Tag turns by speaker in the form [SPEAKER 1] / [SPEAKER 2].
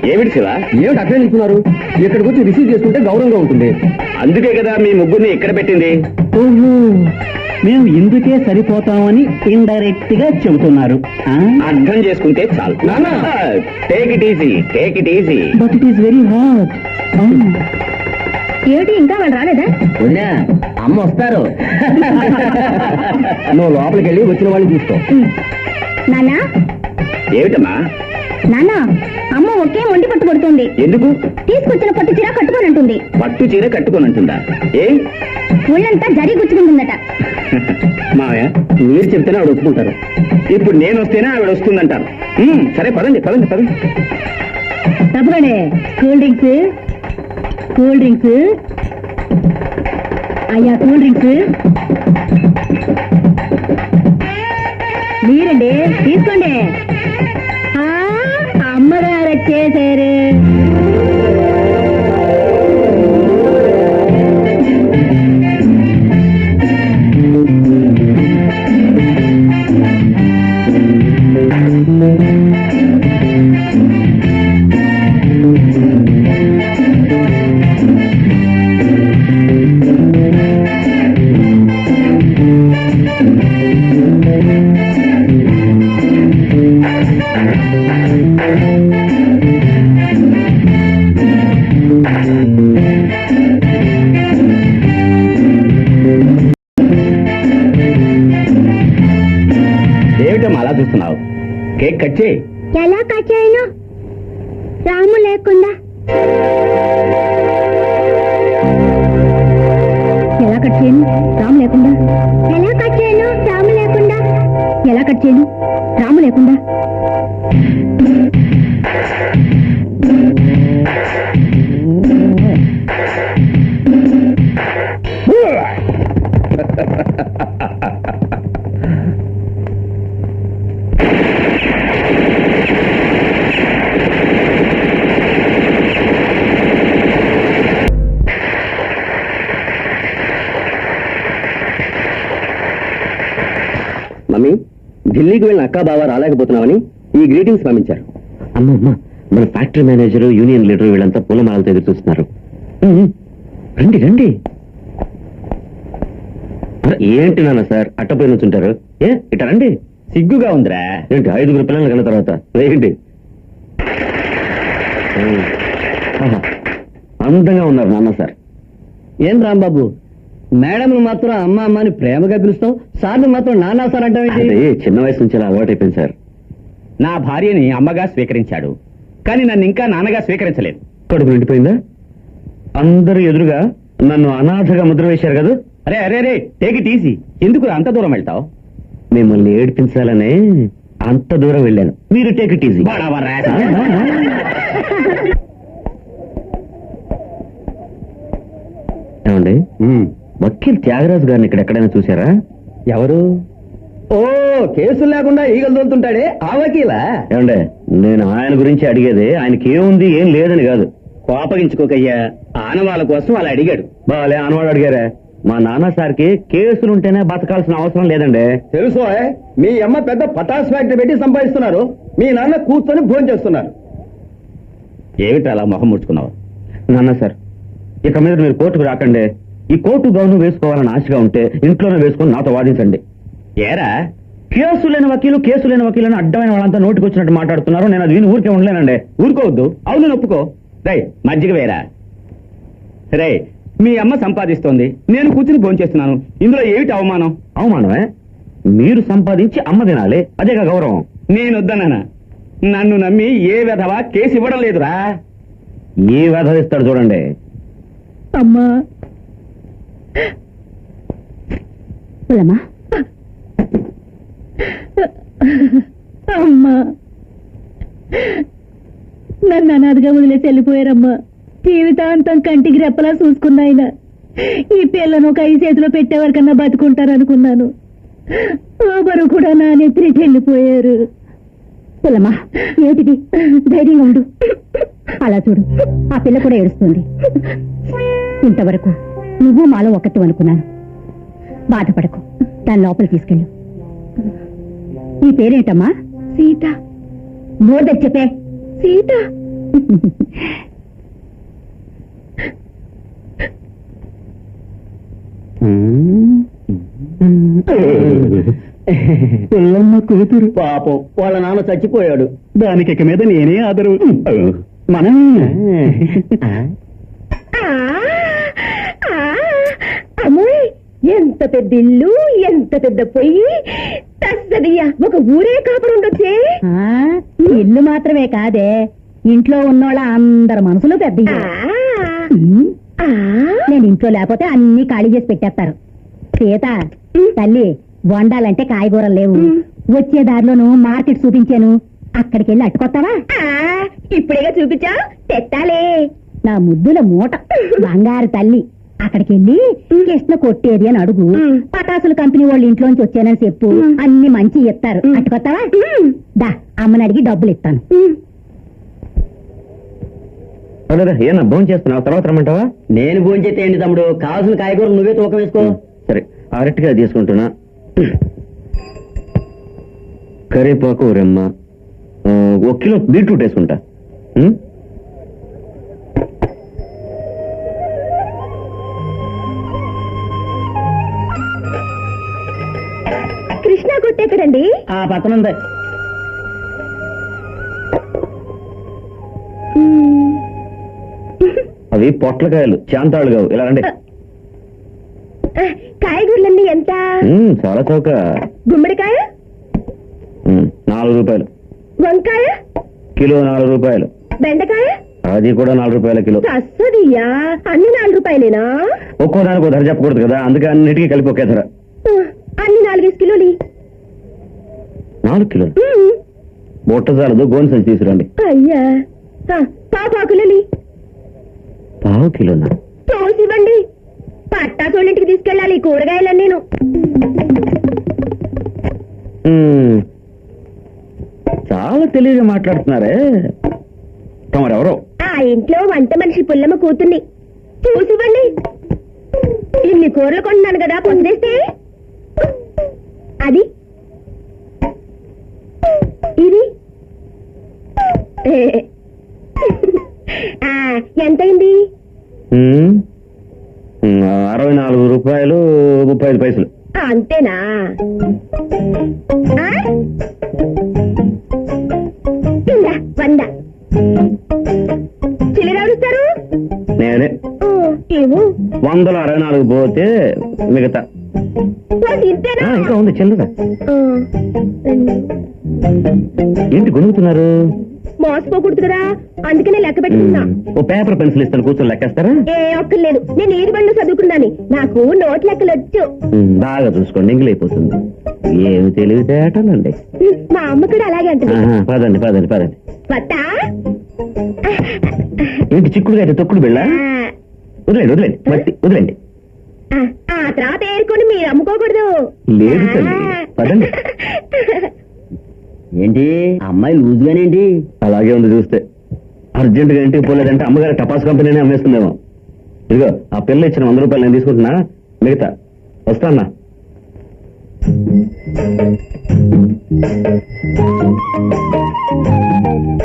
[SPEAKER 1] ఏమిటి శివ?
[SPEAKER 2] ఏమిటి అక్కడే నిల్చున్నారు? ఇక్కడికి వచ్చి రిసీవ్ చేసుకుంటే గౌరవంగా ఉంటుంది.
[SPEAKER 1] అందుకే కదా మీ ముగ్గురిని ఇక్కడ పెట్టింది.
[SPEAKER 3] ఓహో, మేము ఇందుకే సరిపోతామని ఇండైరెక్ట్ గా చెబుతున్నారు.
[SPEAKER 1] అర్థం చేసుకుంటే చాలు. Take it easy, take it easy.
[SPEAKER 3] But it is very hot.
[SPEAKER 4] ఏమిటి ఇంకా వాళ్ళు రాలేదా?
[SPEAKER 2] వదినా, అమ్మ వస్తారు. నువ్వు లోపలికి వెళ్ళి వచ్చిన వాళ్ళని చూసుకో.
[SPEAKER 4] నాన్నా,
[SPEAKER 1] ఏమిటమ్మా?
[SPEAKER 4] నాన్నా, అమ్మ ఒకే మొండి పట్టు పడుతుంది.
[SPEAKER 1] ఎందుకు?
[SPEAKER 4] తీసుకొచ్చిన పట్టు చీర కట్టుకోనంటుంది.
[SPEAKER 1] పట్టు చీర కట్టుకోనంటుందా? ఏ
[SPEAKER 4] ఒళ్ళంతా జరి గుచ్చుకుంటుందట.
[SPEAKER 1] మావయ్య, మీరు చెప్తేనే ఆవిడ ఒప్పుకుంటారు. ఇప్పుడు నేను వస్తేనే ఆవిడ వస్తుందంటారు. సరే పదండి పదండి పదండి.
[SPEAKER 4] తప్పకండి. కూల్ డ్రింక్స్, కూల్ డ్రింక్స్ అయ్యా, కూల్ డ్రింక్స్ మీరండి, తీసుకోండి. అమ్మగారు వచ్చేసారు.
[SPEAKER 1] ఏమిటమ్మా అలా చూస్తున్నావు? కేక్ కట్ చేయి.
[SPEAKER 4] ఎలా కట్ చేయను? రాము లేకుండా. ఎలా కట్ చేయను? రాము లేకుండా. ఎలా కట్ చేయను? రాము లేకుండా. ఎలా కట్ చేయను? రాము లేకుండా.
[SPEAKER 2] మమ్మీ, ఢిల్లీకి వెళ్ళిన అక్కా బావ రాలేకపోతున్నామని ఈ గ్రీటింగ్స్ పంపించారు. అమ్మ, మన ఫ్యాక్టరీ మేనేజర్, యూనియన్ లీడర్ వీళ్ళంతా పూలమాలతో ఎదురు చూస్తున్నారు. రండి రండి. ఏంటి నాన్న సార్ అట్టపోయి నుంచుంటారు? ఇట రండి.
[SPEAKER 1] సిగ్గుగా ఉందిరా.
[SPEAKER 2] ఏంటి 5 పిల్లలు కన్న తర్వాత వేయండి. అందంగా ఉన్నారు నాన్న సార్.
[SPEAKER 3] ఏం రాంబాబు, మేడం మాత్రం అమ్మ అమ్మ అని ప్రేమగా పిలుస్తాం, సార్ని మాత్రం నానా సార్ అంటావేంటి?
[SPEAKER 2] అదే చిన్న వయసు నుంచి అలా అలవాటైపోయింది సార్.
[SPEAKER 1] నా భార్యని అమ్మగా స్వీకరించాడు, కానీ నన్ను ఇంకా నాన్నగా స్వీకరించలేదు.
[SPEAKER 2] కడుపు నిండిపోయిందా? అందరూ ఎదురుగా నన్ను అనాథగా ముద్ర వేశారు కదా.
[SPEAKER 1] అరే అరే అరే, టేక్ ఇట్ ఈజీ. ఎందుకు అంత దూరం వెళ్తావు?
[SPEAKER 2] మిమ్మల్ని ఏడిపించాలనే అంత దూరం వెళ్ళాను. మీరు టేక్ ఇట్ ఈజీ. ఏమండి, వకీల్ త్యాగరాజు గారిని ఇక్కడ ఎక్కడైనా చూసారా?
[SPEAKER 3] ఎవరు? ఓ, కేసులు లేకుండా ఈగలు తోలుతుంటాడే ఆ వకీలా?
[SPEAKER 2] ఏమండే, నేను ఆయన గురించి అడిగేది ఆయనకి ఏముంది ఏం లేదని కాదు.
[SPEAKER 1] కోపగించుకోకయ్యా, ఆనవాళ్ళ కోసం అలా అడిగాడు.
[SPEAKER 2] బాలే ఆనవాడు అడిగారా? మా నాన్న సార్కి కేసులుంటేనే బతకాల్సిన అవసరం లేదండి.
[SPEAKER 3] తెలుసు, మీ అమ్మ పెద్ద పటాస్ ఫ్యాక్టరీ పెట్టి సంపాదిస్తున్నారు, మీ నాన్న కూర్చొని భోజనం చేస్తున్నారు.
[SPEAKER 1] ఏమిటి అలా మొహం ముడుచుకున్నావు?
[SPEAKER 2] నాన్న సార్, ఇక మీద మీరు కోర్టుకు రాకండి. ఈ కోర్టు గౌను వేసుకోవాలని ఆశగా ఉంటే ఇంట్లోనే వేసుకొని నాతో వాదించండి.
[SPEAKER 1] ఏరా,
[SPEAKER 2] కేసు లేని వకీలని అడ్డమైన వాళ్ళంతా నోటికి వచ్చినట్టు మాట్లాడుతున్నారు. నేను అది విని ఊరికే ఉండలేనండి.
[SPEAKER 1] ఊరుకోవద్దు. అవును, నొప్పుకో. రై, మజ్జిగ వేరా. రే, మీ అమ్మ సంపాదిస్తోంది, నేను కూర్చుని భోంచేస్తున్నాను. ఇందులో ఏమిటి అవమానం?
[SPEAKER 2] అవమానమే? మీరు సంపాదించి అమ్మ తినాలి, అదేగా గౌరవం.
[SPEAKER 1] నేను వద్దన్నానా? నన్ను నమ్మి ఏ విధవా కేసు ఇవ్వడం లేదురా.
[SPEAKER 2] ఏ వ్యధ ఇస్తాడు చూడండి.
[SPEAKER 4] అమ్మా, పులమ్మా, అమ్మా, నన్ను అనాథగా వదిలేసి వెళ్ళిపోయారమ్మా. జీవితాంతం కంటికి రెప్పలా చూసుకున్నాయన. ఈ పిల్లను ఒక 5 చేతిలో పెట్టేవారికన్నా బతుకుంటారనుకున్నాను. బరువు కూడా నా నెత్తికి వెళ్ళిపోయారు. పులమ్మా, ఏమిటిది? ధైర్యంగా ఉండు. అలా చూడు, ఆ పిల్ల కూడా ఏడుస్తుంది. ఇంతవరకు నువ్వు మాలో ఒకటి అనుకున్నాను. బాధపడకు, దాని లోపల తీసుకెళ్ళు. నీ పేరేంటమ్మా? సీత. మోదర్ చెప్పే. సీత.
[SPEAKER 1] పిల్లమ్మ కూతురు
[SPEAKER 3] పాపం వాళ్ళ నాన్న చచ్చిపోయాడు.
[SPEAKER 1] దానికి ఇక మీద నేనే ఆదరు మనం
[SPEAKER 4] అమ్మాయి ఎంత పెద్ద ఇల్లు, ఎంత పెద్ద పొయ్యి, తస్సదియ్యా ఒక ఊరే కాపురం ఉండొచ్చే. ఇల్లు మాత్రమే కాదే, ఇంట్లో ఉన్నోళ్ళ అందరి మనసులు పెద్ద. నేను ఇంట్లో లేకపోతే అన్ని ఖాళీ చేసి పెట్టేస్తారు. సీత తల్లి, వండాలంటే కాయగూరలు లేవు. వచ్చే దారిలోను మార్కెట్ చూపించాను, అక్కడికి వెళ్ళి అట్టుకొస్తావా? ఇప్పుడేగా చూపించా, తెత్తాలే. నా ముద్దుల మూట బంగారు తల్లి, అక్కడికి వెళ్ళి కృష్ణ కొట్టేది అని అడుగు. పటాసుల కంపెనీ వాళ్ళ ఇంట్లోంచి వచ్చానని చెప్పు, అన్ని మంచి ఇస్తారు. అట్టుకొస్తావా? దా, అమ్మని అడిగి డబ్బులు ఇస్తాను.
[SPEAKER 2] ఏనా భోజనం చేస్తున్నావు? తర్వాత రమ్మంటావా?
[SPEAKER 3] నేను భోంచేస్తే ఏంటి తమ్ముడు, కావాల్సిన కాయగూరలు నువ్వే తూకం వేసుకో.
[SPEAKER 2] సరే, అరటిగా తీసుకుంటున్నా. కరివేపాకు రెమ్మ, 1 కిలో బీట్రూట్ వేసుకుంటా.
[SPEAKER 4] కృష్ణ కొట్టేక్కడండి?
[SPEAKER 3] ఆ పక్కన ఉంది.
[SPEAKER 2] అవి పొట్లకాయలు, చాంతాళ్ళు కావు. ఇలా రండి.
[SPEAKER 4] కాయగూరలన్నీ ఎంత?
[SPEAKER 2] చాలా చౌక.
[SPEAKER 4] గుమ్మడికాయ
[SPEAKER 2] 4 రూపాయలు.
[SPEAKER 4] వంకాయ
[SPEAKER 2] కిలో 4 రూపాయలు.
[SPEAKER 4] బెండకాయ
[SPEAKER 2] అది కూడా 4 రూపాయల కిలో.
[SPEAKER 4] కస్తదియా, అన్ని 4 రూపాయలేనా?
[SPEAKER 2] ఒక్కో దానికి ఒక ధర చెప్పకూడదు కదా, అందుకే అన్నిటికీ కలిపి ఒకే ధర.
[SPEAKER 4] అన్ని 4 కిలోలు.
[SPEAKER 2] 4 కిలోలు బొట్ట చాలదు, గోన్ సంచి తీసుకురండి.
[SPEAKER 4] అయ్యా, పాపాకులని
[SPEAKER 2] పావు కిలోనా?
[SPEAKER 4] తోసివ్వండి, పట్టాసోళ్ళింటికి తీసుకెళ్ళాలి కూరగాయలన్నీ.
[SPEAKER 2] చాలా తెలివిగా మాట్లాడుతున్నారే. తమరెవరో?
[SPEAKER 4] ఆ ఇంట్లో వంట మనిషి పుల్లమ్మ కూతుర్ని. చూసివ్వండి, ఇన్ని కూరలు కొంటున్నాను కదా, పొందేస్తే. అది ఇది ఎంతైంది?
[SPEAKER 2] 64 రూపాయలు 35 పైసలు.
[SPEAKER 4] అంతేనా? ఇందా 100. చిల్లరాడుస్తారు?
[SPEAKER 2] నేనే.
[SPEAKER 4] ఏమో
[SPEAKER 2] 164 పోతే మిగతా.
[SPEAKER 4] ఇంతేనా?
[SPEAKER 2] ఇంకా ఉంది చిల్లర. ఏంటి గొనుగుతున్నారు?
[SPEAKER 4] మోసపోకూడదు కదా, అందుకనే లెక్క పెట్టుకున్నా.
[SPEAKER 2] ఓ పేపర్ పెన్సిల్ ఇస్తాను, కూర్చొని లెక్కేస్తారా?
[SPEAKER 4] ఒక్కర్లేదు, నేను ఏది బండ్లు చదువుకున్నాను, నాకు నోట్ లెక్కలు వచ్చు.
[SPEAKER 2] బాగా చూసుకోండి, ఎంగిల్ అయిపోతుంది. ఏమి తెలివితేటలండి.
[SPEAKER 4] మా అమ్మ కూడా అలాగే అంటుంది.
[SPEAKER 2] పదండి పదండి పదండి.
[SPEAKER 4] వత్తా?
[SPEAKER 2] ఏంటి చిక్కుడుగా అయితే తొక్కుడు బిళ్ళ? వదిలేండి వదిలేండి, మట్టి వదిలేండి.
[SPEAKER 4] ఆ తర్వాత ఏరుకొని మీరు అమ్ముకోకూడదు.
[SPEAKER 2] లేదు తల్లి, పదండి.
[SPEAKER 3] ఏంటి అమ్మాయి లూజ్ గానేంటి?
[SPEAKER 2] అలాగే ఉంది చూస్తే. అర్జెంట్ గా ఇంటికి పోలేదంటే అమ్మగారి టపాస్ కంపెనీనే అమ్మేస్తుందేమో. ఇదిగో ఆ పిల్ల ఇచ్చిన 100 రూపాయలు నేను తీసుకుంటున్నా, మిగతా వస్తానా.